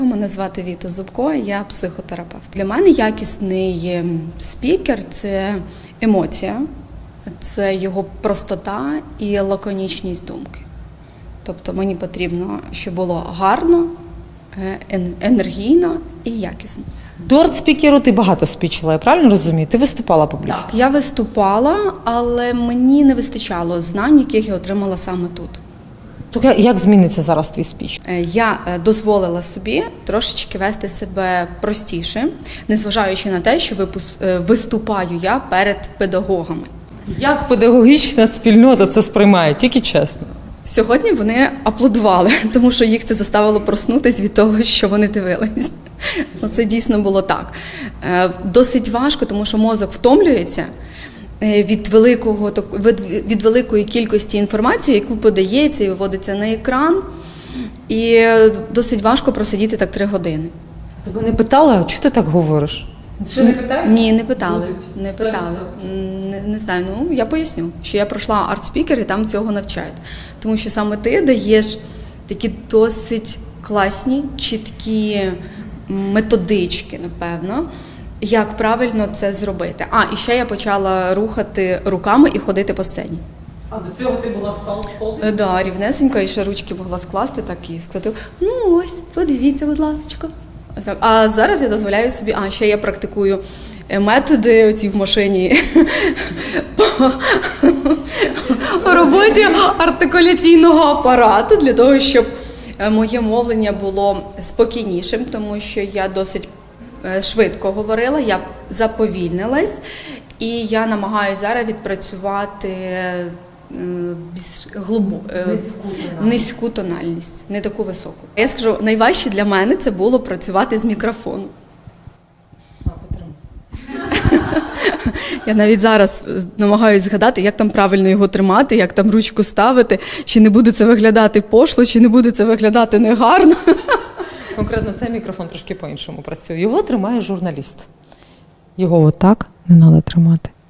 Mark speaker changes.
Speaker 1: Мене звати Віта Зубко, я психотерапевт. Для мене якісний спікер – це емоція, це його простота і лаконічність думки. Тобто мені потрібно, щоб було гарно, енергійно і якісно.
Speaker 2: До арт-спікеру ти багато спічила, я правильно розумію? Ти виступала публічно?
Speaker 1: Так, я виступала, але мені не вистачало знань, яких я отримала саме тут.
Speaker 2: То як зміниться зараз твій спіч?
Speaker 1: Я дозволила собі трошечки вести себе простіше, незважаючи на те, що виступаю я перед педагогами.
Speaker 2: Як педагогічна спільнота це сприймає? Тільки чесно.
Speaker 1: Сьогодні вони аплодували, тому що їх це заставило проснутися від того, що вони дивились. Це дійсно було так. Досить важко, тому що мозок втомлюється від великої кількості інформації, яку подається і виводиться на екран. І досить важко просидіти так 3 години.
Speaker 2: Тебе не питали, чого ти так говориш? Ще не питають?
Speaker 1: Ні, не питали. Не питали. Не знаю, я поясню, що я пройшла арт-спікер і там цього навчають. Тому що саме ти даєш такі досить класні, чіткі методички, напевно, як правильно це зробити. І ще я почала рухати руками і ходити по сцені.
Speaker 2: А до цього ти була столб?
Speaker 1: Да, рівнесенько, і ще ручки могла скласти так і сказати, ось, подивіться, будь ласка. А зараз я дозволяю собі, ще я практикую методи оці в машині по роботі артикуляційного апарату для того, щоб моє мовлення було спокійнішим, тому що я досить швидко говорила, я заповільнилась, і я намагаюся зараз відпрацювати низьку тональність, не таку високу. Я скажу, найважче для мене це було працювати з мікрофоном. Я навіть зараз намагаюся згадати, як там правильно його тримати, як там ручку ставити, чи не буде це виглядати пошло, чи не буде це виглядати негарно.
Speaker 2: Конкретно цей мікрофон трошки по-іншому працює. Його тримає журналіст. Його отак не треба тримати.